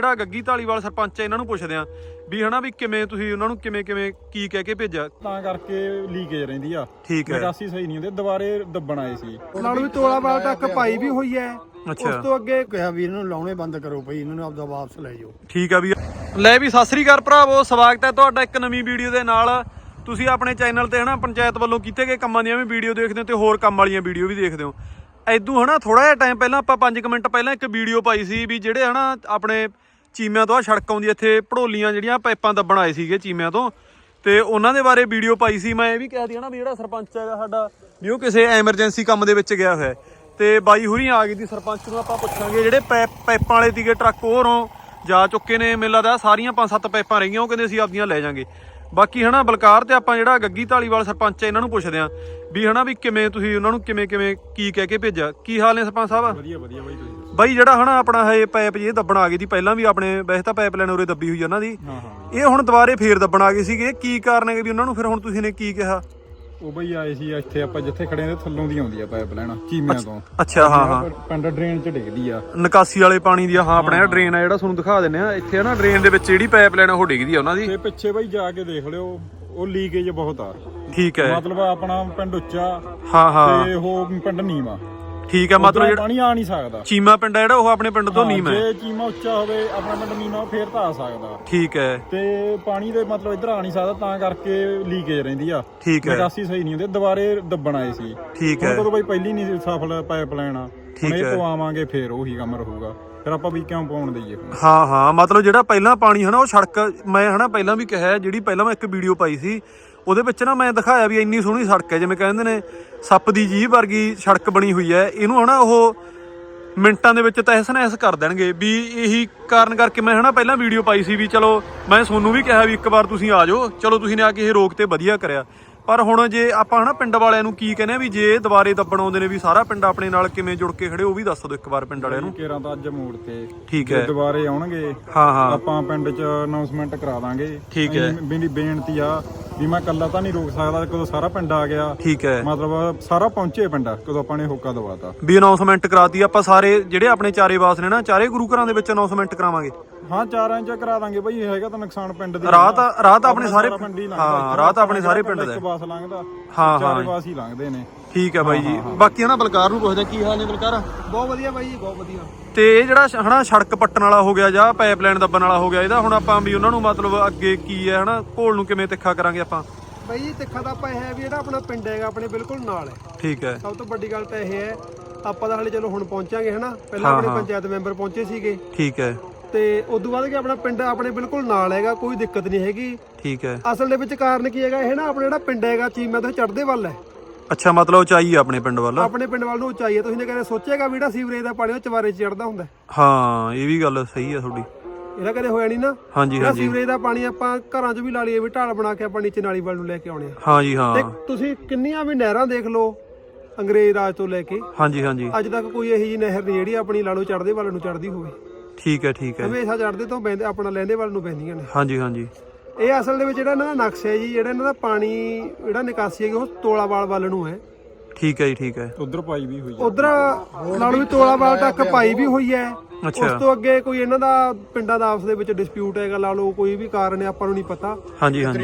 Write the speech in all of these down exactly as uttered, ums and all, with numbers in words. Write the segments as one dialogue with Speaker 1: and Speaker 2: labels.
Speaker 1: ਜਿਹੜਾ ਗੱਗੀ ਢਾਲੀਵਾਲ ਸਰਪੰਚ ਹੈ ਇਹਨਾਂ ਨੂੰ ਪੁੱਛਦੇ ਆ ਵੀ ਹਨਾ ਵੀ ਕਿਵੇਂ ਤੁਸੀਂ ਉਹਨਾਂ ਨੂੰ ਕਿਵੇਂ ਕਿਵੇਂ ਕੀ ਕਹਿ ਕੇ ਭੇਜਿਆ
Speaker 2: ਤਾਂ ਕਰਕੇ ਲੀਕੇਜ ਰਹਿੰਦੀ ਆ।
Speaker 1: ਠੀਕ ਹੈ,
Speaker 2: ਨਿਕਾਸੀ ਸਹੀ ਨਹੀਂ ਹੁੰਦੀ, ਦੁਬਾਰੇ ਦੱਬਣ ਆਏ ਸੀ।
Speaker 3: ਨਾਲ ਵੀ ਤੋਲਾਵਾਲ ਤੱਕ ਪਾਈ ਵੀ ਹੋਈ ਹੈ।
Speaker 1: ਅੱਛਾ,
Speaker 3: ਉਸ ਤੋਂ ਅੱਗੇ ਕਿਹਾ ਵੀ ਇਹਨਾਂ ਨੂੰ ਲਾਉਣੇ ਬੰਦ ਕਰੋ ਭਾਈ, ਇਹਨਾਂ ਨੂੰ ਆਪਦਾ ਵਾਪਸ ਲੈ ਜਾਓ।
Speaker 1: ਠੀਕ ਆ ਵੀ ਲੈ ਵੀ ਸਤਿ ਸ੍ਰੀ ਅਕਾਲ ਭਰਾਵੋ, ਸਵਾਗਤ ਹੈ ਤੁਹਾਡਾ ਇੱਕ ਨਵੀਂ ਵੀਡੀਓ ਦੇ ਨਾਲ। ਤੁਸੀਂ ਆਪਣੇ ਚੈਨਲ ਤੇ ਹਨਾ ਪੰਚਾਇਤ ਵੱਲੋਂ ਕੀਤੇ ਗਏ ਕੰਮਾਂ ਦੀਆਂ ਵੀ ਵੀਡੀਓ ਦੇਖਦੇ ਹੋ ਤੇ ਹੋਰ ਕੰਮ ਵਾਲੀਆਂ ਵੀਡੀਓ ਵੀ ਦੇਖਦੇ ਹੋ। ਐਦੂ ਹਨਾ ਥੋੜਾ ਜਿਹਾ ਟਾਈਮ ਪਹਿਲਾਂ ਆਪਾਂ ਪੰਜ ਮਿੰਟ ਪਹਿਲਾਂ ਇੱਕ ਵੀਡੀਓ ਪਾਈ ਸੀ ਵੀ ਜਿਹੜੇ ਹਨਾ ਆਪਣੇ ਚੀਮਿਆਂ ਤੋਂ ਆ ਸੜਕ ਆਉਂਦੀ ਇੱਥੇ ਭੜੋਲੀਆਂ ਜਿਹੜੀਆਂ ਪਾਈਪਾਂ ਦੱਬਣ ਆਏ ਸੀਗੇ ਚੀਮਿਆਂ ਤੋਂ, ਤੇ ਉਹਨਾਂ ਦੇ ਬਾਰੇ ਵੀਡੀਓ ਪਾਈ ਸੀ। ਮੈਂ ਇਹ ਵੀ ਕਹਿ ਦਿਆਂ ਨਾ ਵੀ ਜਿਹੜਾ ਸਰਪੰਚ ਹੈਗਾ ਸਾਡਾ ਵੀ ਉਹ ਕਿਸੇ ਐਮਰਜੈਂਸੀ ਕੰਮ ਦੇ ਵਿੱਚ ਗਿਆ ਹੋਇਆ ਤੇ ਬਾਈ ਹੁਰੀ ਆ ਗਈ ਦੀ ਸਰਪੰਚ ਨੂੰ ਆਪਾਂ ਪੁੱਛਾਂਗੇ ਜਿਹੜੇ ਪੈਪ ਪਾਈਪਾਂ ਵਾਲੇ ਸੀਗੇ ਟਰੱਕ ਹੋਰੋਂ ਜਾ ਚੁੱਕੇ ਨੇ, ਮੈਨੂੰ ਲੱਗਦਾ ਸਾਰੀਆਂ ਪੰਜ ਸੱਤ ਪਾਈਪਾਂ ਰਹੀਆਂ, ਉਹ ਕਹਿੰਦੇ ਅਸੀਂ ਆਪਦੀਆਂ ਲੈ ਜਾਾਂਗੇ। ਬਾਕੀ ਹਨਾ ਬਲਕਾਰ ਤੇ ਆਪਾਂ ਜਿਹੜਾ ਗੱਗੀ ਢਾਲੀਵਾਲ ਸਰਪੰਚ ਹੈ ਇਹਨਾਂ ਨੂੰ ਪੁੱਛਦੇ ਆ ਵੀ ਹਨਾ ਵੀ ਕਿਵੇਂ ਤੁਸੀਂ ਉਹਨਾਂ ਨੂੰ ਕਿਵੇਂ ਕਿਵੇਂ ਕੀ ਕਹਿ ਕੇ ਭੇਜਿਆ। ਕੀ ਹਾਲ ਨੇ ਸਰਪੰਚ ਸਾਹਿਬ?
Speaker 2: ਵਧੀਆ ਵਧੀਆ ਬਾਈ, ਤੁਸੀਂ
Speaker 1: ਬਾਈ ਜਿਹੜਾ ਹਨਾ ਆਪਣਾ ਇਹ ਪਾਈਪ ਜੇ ਦੱਬਣ ਆ ਗਈ ਦੀ ਪਹਿਲਾਂ ਵੀ ਆਪਣੇ ਵੈਸੇ ਤਾਂ ਪਾਈਪ ਲਾਈਨ ਉਰੇ ਦੱਬੀ ਹੋਈ ਉਹਨਾਂ ਦੀ,
Speaker 2: ਹਾਂ ਹਾਂ
Speaker 1: ਇਹ ਹੁਣ ਦੁਬਾਰੇ ਫੇਰ ਦੱਬਣ ਆ ਗਏ ਸੀਗੇ, ਕੀ ਕਾਰਨ ਹੈ ਵੀ ਉਹਨਾਂ ਨੂੰ ਫਿਰ ਹੁਣ ਤੁਸੀਂ ਨੇ ਕੀ ਕਿਹਾ?
Speaker 2: ਉਹ ਬਈ ਆਏ ਸੀ ਇੱਥੇ ਆਪਾਂ ਜਿੱਥੇ ਖੜੇ ਨੇ ਥੱਲੋਂ ਦੀ ਆਉਂਦੀ ਆ ਪਾਈਪ ਲੈਣਾ ਚੀਮਿਆਂ ਤੋਂ।
Speaker 1: ਅੱਛਾ, ਹਾਂ ਹਾਂ,
Speaker 2: ਪਿੰਡ ਡਰੇਨ ਚ ਡਿੱਗਦੀ ਆ,
Speaker 1: ਨਿਕਾਸੀ ਵਾਲੇ ਪਾਣੀ ਦੀ। ਹਾਂ ਆਪਣਾ ਡਰੇਨ ਆ ਜਿਹੜਾ ਤੁਹਾਨੂੰ ਦਿਖਾ ਦਿੰਦੇ ਆ ਇੱਥੇ ਹਨਾ, ਡਰੇਨ ਦੇ ਵਿੱਚ ਜਿਹੜੀ ਪਾਈਪ ਲਾਈਨ ਉਹ ਡਿੱਗਦੀ ਆ ਉਹਨਾਂ ਦੀ।
Speaker 2: ਤੇ ਪਿੱਛੇ ਬਈ ਜਾ ਕੇ ਦੇਖ ਲਿਓ, ਉਹ ਲੀਕੇਜ ਬਹੁਤ ਆ।
Speaker 1: ਠੀਕ ਹੈ,
Speaker 2: ਮਤਲਬ ਆਪਣਾ ਪਿੰਡ ਉੱਚਾ
Speaker 1: ਹਾਂ ਹਾਂ,
Speaker 2: ਤੇ ਉਹ ਪਿੰਡ ਨੀਵਾਂ।
Speaker 1: ਠੀਕ ਹੈ, ਮਤਲਬ ਜਿਹੜਾ
Speaker 2: ਪਾਣੀ ਆ ਨਹੀਂ ਸਕਦਾ।
Speaker 1: ਚੀਮਾ ਪਿੰਡ ਹੈ ਜਿਹੜਾ ਉਹ ਆਪਣੇ ਪਿੰਡ ਤੋਂ ਨੀਵਾਂ ਹੈ।
Speaker 2: ਜੇ ਚੀਮਾ ਉੱਚਾ ਹੋਵੇ ਆਪਣਾ ਪਿੰਡ ਨੀਵਾਂ ਫੇਰ ਤਾਂ ਆ ਸਕਦਾ।
Speaker 1: ਠੀਕ ਹੈ,
Speaker 2: ਤੇ ਪਾਣੀ ਦੇ ਮਤਲਬ ਇੱਧਰ ਆ ਨਹੀਂ ਸਕਦਾ, ਤਾਂ ਕਰਕੇ ਲੀਕੇਜ ਰਹਿੰਦੀ ਆ।
Speaker 1: ਠੀਕ ਹੈ,
Speaker 2: ਨਿਕਾਸੀ ਸਹੀ ਨਹੀਂ ਹੁੰਦੀ, ਦੁਬਾਰੇ ਦੱਬਣ ਆਏ ਸੀ।
Speaker 1: ਠੀਕ ਹੈ,
Speaker 2: ਉਦੋਂ ਬਈ ਪਹਿਲੀ ਨਹੀਂ ਸਫਲ ਪਾਈਪ ਲਾਈਨ ਆ, ਹੁਣ ਇਹ ਪਵਾਵਾਂਗੇ ਫੇਰ ਉਹੀ ਕੰਮ ਰਹੂਗਾ, ਫਿਰ ਆਪਾਂ ਵੀ ਕਿਉਂ ਪਾਉਣ ਦਈਏ।
Speaker 1: ਹਾਂ ਹਾਂ, ਮਤਲਬ ਜਿਹੜਾ ਪਹਿਲਾਂ ਪਾਣੀ ਹਨਾ ਉਹ ਸੜਕ, ਮੈਂ ਹਨਾ ਪਹਿਲਾਂ ਵੀ ਕਿਹਾ ਜਿਹੜੀ ਪਹਿਲਾਂ ਮੈਂ ਇੱਕ ਵੀਡੀਓ ਪਾਈ ਸੀ ਉਹਦੇ ਵਿੱਚ ਨਾ ਮੈਂ ਦਿਖਾਇਆ ਵੀ ਇੰਨੀ ਸੋਹਣੀ ਸੜਕ ਹੈ, ਜਿਵੇਂ ਕਹਿੰਦੇ ਨੇ ਸੱਪ ਦੀ ਜੀਭ ਵਰਗੀ ਸੜਕ ਬਣੀ ਹੋਈ ਹੈ। ਇਹਨੂੰ ਹਨਾ ਉਹ ਮਿੰਟਾਂ ਦੇ ਵਿੱਚ ਤਹਿਸ ਨਹਿਸ ਕਰ ਦੇਣਗੇ ਵੀ, ਇਹੀ ਕਾਰਨ ਕਰਕੇ ਮੈਂ ਹਨਾ ਪਹਿਲਾਂ ਵੀਡੀਓ ਪਾਈ ਸੀ ਵੀ ਚਲੋ ਮੈਂ ਤੁਹਾਨੂੰ ਵੀ ਕਿਹਾ ਵੀ ਇੱਕ ਵਾਰ ਤੁਸੀਂ ਆ ਜਾਓ, ਚਲੋ ਤੁਸੀਂ ਨੇ ਆ ਕੇ ਇਹ ਰੋਕ ਤੇ ਵਧੀਆ ਕਰਿਆ। ਪਰ ਹੁਣ ਜੇ ਆਪਾਂ ਹਨਾ ਪਿੰਡ ਵਾਲਿਆਂ ਨੂੰ ਕੀ ਕਹਿੰਦੇ ਆ ਵੀ ਜੇ ਦੁਬਾਰੇ ਦੱਬਣ ਆਉਂਦੇ ਨੇ ਵੀ ਸਾਰਾ ਪਿੰਡ ਆਪਣੇ ਨਾਲ ਕਿਵੇਂ ਜੁੜ ਕੇ ਖੜੇ, ਉਹ ਵੀ ਦੱਸ ਦਿਓ ਇੱਕ ਵਾਰ ਪਿੰਡ ਵਾਲਿਆਂ ਨੂੰ।
Speaker 2: ਕੇਰਾਂ ਤਾਂ ਅੱਜ ਮੋੜ ਤੇ
Speaker 1: ਠੀਕ ਹੈ,
Speaker 2: ਦੁਬਾਰੇ ਆਉਣਗੇ
Speaker 1: ਹਾਂ ਹਾਂ,
Speaker 2: ਆਪਾਂ ਪਿੰਡ 'ਚ ਅਨਾਉਂਸਮੈਂਟ ਕਰਾ ਦਾਂਗੇ।
Speaker 1: ਠੀਕ ਹੈ,
Speaker 2: ਮੇਰੀ ਬੇਨਤੀ ਆ ਵੀ ਮੈਂ ਇਕੱਲਾ ਤਾਂ ਨਹੀਂ ਰੋਕ ਸਕਦਾ, ਕਦੋਂ ਸਾਰਾ ਪਿੰਡ ਆ ਗਿਆ।
Speaker 1: ਠੀਕ ਹੈ,
Speaker 2: ਮਤਲਬ ਸਾਰਾ ਪਹੁੰਚੇ ਪਿੰਡ ਕਦੋਂ ਆਪਾਂ ਨੇ ਹੋਕਾ ਦਵਾਤਾ
Speaker 1: ਵੀ ਅਨਾਉਂਸਮੈਂਟ ਕਰਾਤੀ ਆਪਾਂ ਸਾਰੇ ਜਿਹੜੇ ਆਪਣੇ ਚਾਰੇ ਵਾਸ ਨੇ ਨਾ, ਚਾਰੇ ਗੁਰੂ ਘਰਾਂ ਦੇ ਵਿੱਚ ਅਨਾਉਂਸਮੈਂਟ ਕਰਾਵਾਂਗੇ।
Speaker 2: ਹਾਂ ਚਾਰਾਂ ਇੰਚ ਕਰਾ ਦਾਂਗੇ ਬਈ, ਹੈਗਾ ਤਾਂ ਨੁਕਸਾਨ ਪਿੰਡ ਦੀ।
Speaker 1: ਰਾਹ ਤਾਂ ਰਾਹ ਤਾਂ ਆਪਣੇ ਸਾਰੇ,
Speaker 2: ਹਾਂ
Speaker 1: ਰਾਹ ਤਾਂ ਆਪਣੇ ਸਾਰੇ ਪਿੰਡ ਦਾ,
Speaker 2: ਇੱਕ ਬਾਸ ਲੰਘਦਾ,
Speaker 1: ਹਾਂ
Speaker 2: ਚਾਰੇ ਬਾਸ ਹੀ ਲੰਘਦੇ ਨੇ।
Speaker 1: ਠੀਕ ਹੈ ਬਾਈ ਜੀ। ਬਾਕੀ ਹਨਾ ਬਲਕਾਰ ਨੂੰ ਪੁੱਛਦੇ ਕੀ ਹਾਲ ਨੇ ਬਲਕਾਰ?
Speaker 3: ਬਹੁਤ ਵਧੀਆ ਬਾਈ ਜੀ, ਬਹੁਤ ਵਧੀਆ।
Speaker 1: ਤੇ ਇਹ ਜਿਹੜਾ ਹਨਾ ਸੜਕ ਪੱਟਣ ਵਾਲਾ ਹੋ ਗਿਆ ਜਾਂ ਪਾਈਪ ਲਾਈਨ ਦੱਬਣ ਵਾਲਾ ਹੋ ਗਿਆ, ਇਹਦਾ ਹੁਣ ਆਪਾਂ ਵੀ ਉਹਨਾਂ ਨੂੰ ਮਤਲਬ ਅੱਗੇ ਕੀ ਹੈ ਹਨਾ ਘੋਲ ਨੂੰ ਕਿਵੇਂ ਤਿੱਖਾ ਕਰਾਂਗੇ ਆਪਾਂ?
Speaker 3: ਬਾਈ ਜੀ ਤਿੱਖਾ ਤਾਂ ਆਪਾਂ ਇਹ ਹੈ ਵੀ ਜਿਹੜਾ ਆਪਣਾ ਪਿੰਡ ਹੈਗਾ ਆਪਣੇ ਬਿਲਕੁਲ ਨਾਲ ਹੈ।
Speaker 1: ਠੀਕ ਹੈ,
Speaker 3: ਸਭ ਤੋਂ ਵੱਡੀ ਗੱਲ ਤਾਂ ਇਹ ਹੈ, ਆਪਾਂ ਤਾਂ ਹਾਲੇ ਚਲੋ ਹੁਣ ਪਹੁੰਚਾਂਗੇ ਹਨਾ, ਪਹਿਲਾਂ ਆਪਣੇ ਪੰਚਾਇਤ ਮੈਂਬਰ ਪਹੁੰਚੇ ਸੀਗੇ।
Speaker 1: ਠੀਕ ਹੈ,
Speaker 3: ਤੇ ਉਦੋਂ ਬਾਅਦ ਕਿ ਆਪਣਾ ਪਿੰਡ ਆਪਣੇ ਬਿਲਕੁਲ ਨਾਲ ਹੈਗਾ, ਕੋਈ ਦਿੱਕਤ ਨਹੀਂ ਹੈਗੀ।
Speaker 1: ਠੀਕ ਹੈ,
Speaker 3: ਅਸਲ ਦੇ ਵਿੱਚ ਕਾਰਨ ਕੀ ਹੈਗਾ, ਇਹ ਨਾ ਆਪਣਾ ਜਿਹੜਾ ਪਿੰਡ ਹੈਗਾ ਚੀਮਾ ਤੋਂ ਚੜ੍ਹਦੇ ਵੱਲ ਹੈ।
Speaker 1: ਅੱਛਾ, ਮਤਲਬ ਉਚਾਈ ਆਪਣੇ ਪਿੰਡ ਵੱਲ,
Speaker 3: ਆਪਣੇ ਪਿੰਡ ਵੱਲ ਨੂੰ ਉਚਾਈ ਹੈ। ਤੁਸੀਂ ਨੇ ਕਦੇ ਸੋਚਿਆਗਾ ਵੀ ਜਿਹੜਾ ਸੀਵਰੇਜ ਦਾ ਪਾਣੀ ਉਹ ਚਵਾਰੇ 'ਚ ਚੜਦਾ ਹੁੰਦਾ?
Speaker 1: ਹਾਂ ਇਹ ਵੀ ਗੱਲ ਸਹੀ ਹੈ ਤੁਹਾਡੀ,
Speaker 3: ਇਹਦਾ ਕਦੇ ਹੋਇਆ ਨਹੀਂ ਨਾ।
Speaker 1: ਹਾਂਜੀ ਹਾਂਜੀ,
Speaker 3: ਸੀਵਰੇਜ ਦਾ ਪਾਣੀ ਆਪਾਂ ਘਰਾਂ 'ਚ ਵੀ ਲਾ ਲਈਏ ਵੀ ਢਾਲ ਬਣਾ ਕੇ ਆਪਾਂ ਨੀਚੇ ਨਾਲੀ ਵੱਲ ਨੂੰ ਲੈ ਕੇ ਆਉਣੇ ਆ।
Speaker 1: ਹਾਂਜੀ ਹਾਂ,
Speaker 3: ਤੇ ਤੁਸੀਂ ਕਿੰਨੀਆਂ ਵੀ ਨਹਿਰਾਂ ਦੇਖ ਲਓ ਅੰਗਰੇਜ਼ ਰਾਜ ਤੋਂ ਲੈ ਕੇ
Speaker 1: ਹਾਂਜੀ ਹਾਂਜੀ,
Speaker 3: ਅੱਜ ਤੱਕ ਕੋਈ ਇਹੋ ਜਿਹੀ ਨਹਿਰ ਨਹੀਂ ਜਿਹੜੀ ਆਪਣੀ ਲਾ ਲਓ ਚੜ੍ਹਦੇ ਵੱਲ ਨੂੰ ਚੜ੍ਹਦੀ ਹੋਵੇ।
Speaker 1: ਠੀਕ ਹੈ, ਠੀਕ ਹੈ,
Speaker 3: ਹਮੇਸ਼ਾ ਚੜ੍ਹਦੇ ਤੋਂ ਬਹਿੰਦੇ ਆਪਣਾ ਲਹਿੰਦੇ ਵੱਲ ਨੂੰ ਬਹਿੰਦੀਆਂ ਨੇ।
Speaker 1: ਹਾਂਜੀ ਹਾਂਜੀ,
Speaker 3: ਇਹ ਅਸਲ ਦੇ ਵਿੱਚ ਜਿਹੜਾ ਇਹਨਾਂ ਦਾ ਨਕਸ਼ਾ ਹੈ ਜੀ, ਜਿਹੜਾ ਇਹਨਾਂ ਦਾ ਪਾਣੀ ਜਿਹੜਾ ਨਿਕਾਸੀ ਹੈਗੀ ਉਹ ਤੋਲਾਵਾਲ ਵੱਲ ਨੂੰ ਹੈ।
Speaker 1: ਠੀਕ ਹੈ ਜੀ, ਠੀਕ ਹੈ,
Speaker 2: ਉਧਰ ਪਾਈ ਵੀ ਹੋਈ ਆ,
Speaker 3: ਉਧਰ ਨਾਲ ਵੀ ਤੋਲਾਵਾਲ ਤੱਕ ਪਾਈ ਵੀ ਹੋਈ ਹੈ।
Speaker 1: ਅੱਛਾ,
Speaker 3: ਉਸ ਤੋਂ ਅੱਗੇ ਕੋਈ ਇਹਨਾਂ ਦਾ ਪਿੰਡਾਂ ਦਾ ਆਪਸ ਦੇ ਵਿੱਚ ਡਿਸਪਿਊਟ ਹੈਗਾ, ਲਾ ਲਓ ਕੋਈ ਵੀ ਕਾਰਨ ਹੈ, ਆਪਾਂ ਨੂੰ ਨਹੀਂ ਪਤਾ।
Speaker 1: ਹਾਂਜੀ ਹਾਂਜੀ,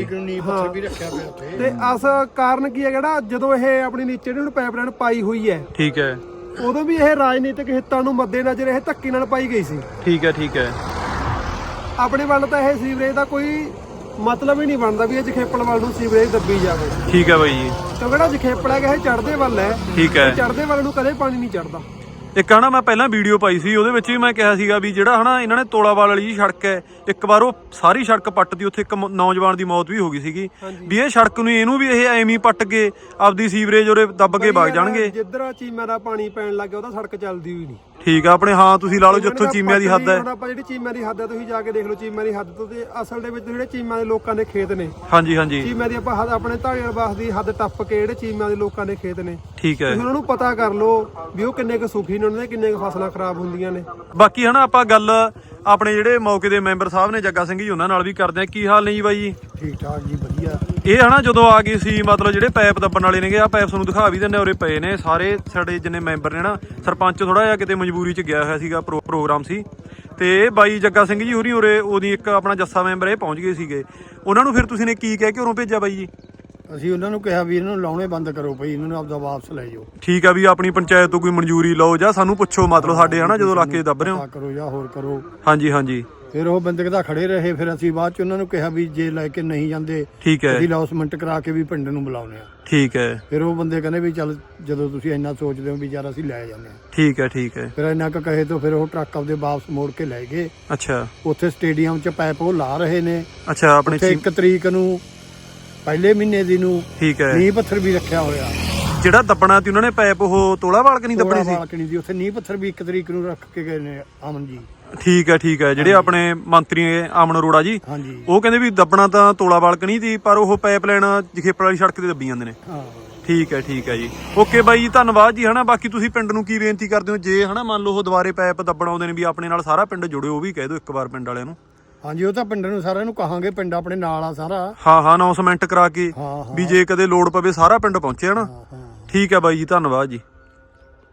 Speaker 3: ਤੇ ਅਸ ਕਾਰਨ ਕੀ ਹੈ ਜਿਹੜਾ ਜਦੋਂ ਇਹ ਆਪਣੀ ਨੀਚੇ ਨੂੰ ਪਾਈਪਲਾਈਨ ਪਾਈ ਹੋਈ ਹੈ,
Speaker 1: ਠੀਕ ਹੈ,
Speaker 3: ਉਦੋਂ ਵੀ ਇਹ ਰਾਜਨੀਤਿਕ ਹਿੱਤਾਂ ਨੂੰ ਮੱਦੇਨਜ਼ਰ ਇਹ ਧੱਕੇ ਨਾਲ ਪਾਈ ਗਈ ਸੀ।
Speaker 1: ਠੀਕ ਹੈ, ਠੀਕ ਹੈ,
Speaker 3: ਆਪਣੇ ਵੱਲ ਤਾਂ ਇਹ ਸੀਵਰੇਜ ਦਾ ਕੋਈ ਮਤਲਬ ਹੀ ਨਹੀਂ ਬਣਦਾ ਵੀ ਇਹ ਜਖੇਪਲ ਵੱਲ ਨੂੰ ਸੀਵਰੇਜ ਦੱਬੀ ਜਾਵੇ।
Speaker 1: ਠੀਕ ਹੈ ਬਾਈ ਜੀ।
Speaker 3: ਕਿਉਂਕਿ ਜਿਹੜਾ ਜਖੇਪਲ ਹੈਗਾ ਇਹ ਚੜ੍ਹਦੇ ਵੱਲ ਹੈ।
Speaker 1: ਠੀਕ ਹੈ,
Speaker 3: ਚੜ੍ਹਦੇ ਵੱਲ ਨੂੰ ਕਦੇ ਪਾਣੀ ਨਹੀਂ ਚੜ੍ਹਦਾ।
Speaker 1: ਇੱਕ ਹਨਾ ਮੈਂ ਪਹਿਲਾਂ ਵੀਡੀਓ ਪਾਈ ਸੀ ਉਹਦੇ ਵਿੱਚ ਵੀ ਮੈਂ ਕਿਹਾ ਸੀਗਾ ਵੀ ਜਿਹੜਾ ਹਨਾ ਇਹਨਾਂ ਨੇ ਤੋਲਾਵਾਲ ਵਾਲੀ ਸੜਕ ਹੈ, ਇੱਕ ਵਾਰ ਉਹ ਸਾਰੀ ਸੜਕ ਪੱਟਦੀ, ਉੱਥੇ ਇੱਕ ਨੌਜਵਾਨ ਦੀ ਮੌਤ ਵੀ ਹੋ ਗਈ ਸੀਗੀ ਵੀ ਇਹ ਸੜਕ ਨੂੰ ਇਹਨੂੰ ਵੀ ਇਹ ਐਵੇਂ ਹੀ ਪੱਟ ਕੇ ਆਪਦੀ ਸੀਵਰੇਜ ਉਰੇ ਦੱਬ ਕੇ ਵਗ ਜਾਣਗੇ।
Speaker 3: ਜਿੱਧਰ ਚੀਮਾ ਦਾ ਪਾਣੀ ਪੈਣ ਲੱਗ ਗਿਆ ਉਹਦਾ ਸੜਕ ਚੱਲਦੀ ਹੋਈ ਨਹੀਂ।
Speaker 1: ਠੀਕ ਆ ਆਪਣੇ, ਹਾਂ ਤੁਸੀਂ ਲਾ ਲਓ ਜਿੱਥੋਂ ਚੀਮਿਆਂ ਦੀ ਹੱਦ ਹੈ।
Speaker 3: ਹੁਣ ਆਪਾਂ ਜਿਹੜੀ ਚੀਮਾ ਦੀ ਹੱਦ ਹੈ ਤੁਸੀਂ ਜਾ ਕੇ ਦੇਖ ਲਓ ਚੀਮਾ ਦੀ ਹੱਦ ਤੋਂ, ਤੇ ਅਸਲ ਦੇ ਵਿੱਚ ਜਿਹੜੇ ਚੀਮਾ ਦੇ ਲੋਕਾਂ ਦੇ ਖੇਤ ਨੇ,
Speaker 1: ਹਾਂਜੀ ਹਾਂਜੀ,
Speaker 3: ਚੀਮਾ ਦੀ ਆਪਾਂ ਹੱਦ ਆਪਣੇ ਧਾਰੀਵਾਲ ਬਾਸ ਦੀ ਹੱਦ ਟੱਪ ਕੇ ਜਿਹੜੇ ਚੀਮਾ ਦੇ ਲੋਕਾਂ ਦੇ ਖੇਤ ਨੇ,
Speaker 1: ਠੀਕ ਹੈ,
Speaker 3: ਤੁਸੀਂ ਉਹਨਾਂ ਨੂੰ ਪਤਾ ਕਰ ਲਓ ਵੀ ਉਹ ਕਿੰਨੇ ਕੁ ਸੁਖੀ ਨੇ, ਉਹਨਾਂ ਦੇ ਕਿੰਨੇ ਕੁ ਫਸਲਾਂ ਖਰਾਬ ਹੁੰਦੀਆਂ ਨੇ।
Speaker 1: ਬਾਕੀ ਹਨਾ ਆਪਾਂ ਗੱਲ ਆਪਣੇ ਜਿਹੜੇ ਮੌਕੇ ਦੇ ਮੈਂਬਰ ਸਾਹਿਬ ਨੇ ਜੱਗਾ ਸਿੰਘ ਜੀ ਉਹਨਾਂ ਨਾਲ ਵੀ ਕਰਦੇ ਆ। ਕੀ ਹਾਲ ਨੇ ਜੀ ਬਾਈ ਜੀ?
Speaker 3: ਠੀਕ ਠਾਕ ਜੀ, ਵਧੀਆ।
Speaker 1: ਇਹ ਹਨਾ ਜਦੋਂ ਆ ਗਏ ਸੀ ਮਤਲਬ ਜਿਹੜੇ ਪਾਈਪ ਦੱਬਣ ਵਾਲੇ ਨੇਗੇ, ਆ ਪਾਈਪ ਤੁਹਾਨੂੰ ਦਿਖਾ ਵੀ ਦਿੰਦੇ, ਉਰੇ ਪਏ ਨੇ ਸਾਰੇ ਸਾਡੇ ਜਿੰਨੇ ਮੈਂਬਰ ਨੇ ਨਾ। ਸਰਪੰਚ ਥੋੜਾ ਜਿਹਾ ਕਿਤੇ ਮਜਬੂਰੀ 'ਚ ਗਿਆ ਹੋਇਆ ਸੀਗਾ, ਪ੍ਰੋਗਰਾਮ ਸੀ, ਤੇ ਬਾਈ ਜੱਗਾ ਸਿੰਘ ਜੀ ਹੋਰੀ ਉਰੇ ਉਹਦੀ ਇੱਕ ਆਪਣਾ ਜੱਸਾ ਮੈਂਬਰ ਇਹ ਪਹੁੰਚ ਗਏ ਸੀਗੇ, ਉਹਨਾਂ ਨੂੰ ਫਿਰ ਤੁਸੀਂ ਨੇ ਕੀ ਕਹਿ ਕੇ ਉਰੋਂ ਭੇਜਿਆ ਬਾਈ ਜੀ?
Speaker 3: ਅਸੀਂ ਉਹਨਾਂ ਨੂੰ ਕਿਹਾ ਵੀ ਇਹਨਾਂ ਨੂੰ ਲਾਉਣੇ ਬੰਦ ਕਰੋ ਭਾਈ, ਇਹਨਾਂ ਨੂੰ ਆਪਦਾ ਵਾਪਸ ਲੈ ਜਾਓ।
Speaker 1: ਠੀਕ ਆ, ਵੀ ਆਪਣੀ ਪੰਚਾਇਤ ਤੋਂ ਕੋਈ ਮਨਜ਼ੂਰੀ ਲਓ ਜਾਂ ਸਾਨੂੰ ਪੁੱਛੋ, ਮਤਲਬ ਸਾਡੇ ਹਨਾ ਜਦੋਂ ਇਲਾਕੇ 'ਚ ਦੱਬ ਰਹੇ ਹੋ।
Speaker 3: ਕਰੋ ਜਾਂ ਹੋਰ ਕਰੋ।
Speaker 1: ਹਾਂਜੀ ਹਾਂਜੀ।
Speaker 3: ਫਿਰ ਉਹ ਬੰਦੇ ਕਿਦਾ ਖੜੇ ਰਹੇ, ਫਿਰ ਅਸੀਂ ਬਾਅਦ ਚ ਉਹਨਾਂ ਨੂੰ ਕਿਹਾ ਵੀ ਜੇ ਲੈ ਕੇ ਨਹੀਂ ਜਾਂਦੇ
Speaker 1: ਠੀਕ ਹੈ,
Speaker 3: ਅਸੀਂ ਲੌਸਮੈਂਟ ਕਰਾ ਕੇ ਵੀ ਪਿੰਡ ਨੂੰ ਬੁਲਾਉਣੇ ਆ।
Speaker 1: ਠੀਕ ਹੈ।
Speaker 3: ਫਿਰ ਉਹ ਬੰਦੇ ਕਹਿੰਦੇ ਵੀ ਚੱਲ ਜਦੋਂ ਤੁਸੀਂ ਇੰਨਾ ਸੋਚਦੇ ਹੋ ਵੀ ਯਾਰ ਅਸੀਂ ਲੈ ਜਾਂਦੇ ਆ।
Speaker 1: ਠੀਕ ਹੈ ਠੀਕ ਹੈ।
Speaker 3: ਫਿਰ ਇੰਨਾ ਕੁ ਕਹੇ ਤੋਂ ਫਿਰ ਉਹ ਟਰੱਕ ਆਪਦੇ ਵਾਪਸ ਮੋੜ ਕੇ ਲੈ ਗਏ।
Speaker 1: ਅੱਛਾ।
Speaker 3: ਉੱਥੇ ਸਟੇਡੀਅਮ 'ਚ ਪਾਈਪ ਉਹ ਲਾ ਰਹੇ ਨੇ।
Speaker 1: ਅੱਛਾ, ਆਪਣੇ
Speaker 3: ਉੱਥੇ ਇੱਕ ਤਰੀਕ ਨੂੰ ਪਹਿਲੇ ਮਹੀਨੇ ਦੀ ਨੂੰ
Speaker 1: ਠੀਕ ਹੈ
Speaker 3: ਨੀਂਹ ਪੱਥਰ ਵੀ ਰੱਖਿਆ ਹੋਇਆ।
Speaker 1: ਜਿਹੜਾ ਦੱਬਣਾ ਸੀ ਉਹਨਾਂ ਨੇ ਪਾਈਪ ਉਹ ਤੋਲਾ ਵਾਲਕ ਨਹੀਂ ਦੱਬਣੀ ਸੀ?
Speaker 3: ਬਾਲਕਣੀ ਦੀ ਉੱਥੇ ਨੀਂਹ ਪੱਥਰ ਵੀ ਇੱਕ ਤਰੀਕ ਨੂੰ ਰੱਖ ਕੇ ਗਏ ਨੇ ਅਮਨ ਜੀ।
Speaker 1: ਠੀਕ ਹੈ ਠੀਕ ਹੈ। ਜਿਹੜੇ ਆਪਣੇ ਮੰਤਰੀ ਅਮਨ ਅਰੋੜਾ ਜੀ,
Speaker 3: ਹਾਂਜੀ,
Speaker 1: ਉਹ ਕਹਿੰਦੇ ਵੀ ਦੱਬਣਾ ਤਾਂ ਤੋਲਾ ਵਾਲਕ ਨਹੀਂ ਸੀ, ਪਰ ਉਹ ਪਾਈਪ ਲਾਈਨ ਜਖੇਪੜ ਵਾਲੀ ਸੜਕ ਤੇ ਦੱਬੀ ਜਾਂਦੇ ਨੇ।
Speaker 3: ਹਾਂ
Speaker 1: ਠੀਕ ਹੈ ਠੀਕ ਹੈ ਜੀ। ਓਕੇ ਬਾਈ ਜੀ, ਧੰਨਵਾਦ ਜੀ ਹਨਾ। ਬਾਕੀ ਤੁਸੀਂ ਪਿੰਡ ਨੂੰ ਕੀ ਬੇਨਤੀ ਕਰਦੇ ਹੋ ਜੇ ਹਨਾ ਮੰਨ ਲਓ ਉਹ ਦੁਬਾਰੇ ਪਾਈਪ ਦੱਬਣ ਆਉਂਦੇ ਨੇ ਵੀ ਆਪਣੇ ਨਾਲ ਸਾਰਾ ਪਿੰਡ ਜੁੜਿਓ, ਉਹ ਵੀ ਕਹਿ ਦਿਓ ਇੱਕ ਵਾਰ ਪਿੰਡ ਵਾਲਿਆਂ ਨੂੰ।
Speaker 3: ਹਾਂਜੀ, ਉਹ ਤਾਂ ਪਿੰਡ ਨੂੰ ਸਾਰਿਆਂ ਨੂੰ ਕਹਾਂਗੇ, ਪਿੰਡ ਆਪਣੇ ਨਾਲ ਆ ਸਾਰਾ।
Speaker 1: ਹਾਂ ਹਾਂ, ਅਨਾਉਂਸਮੈਂਟ ਕਰਾ ਕੇ
Speaker 3: ਹਾਂ ਹਾਂ
Speaker 1: ਵੀ ਜੇ ਕਦੇ ਲੋੜ ਪਵੇ ਸਾਰਾ ਪਿੰਡ ਪਹੁੰਚੇ ਹਨਾ।
Speaker 3: ਹਾਂ।
Speaker 1: ਠੀਕ ਹੈ ਬਾਈ ਜੀ, ਧੰਨਵਾਦ ਜੀ।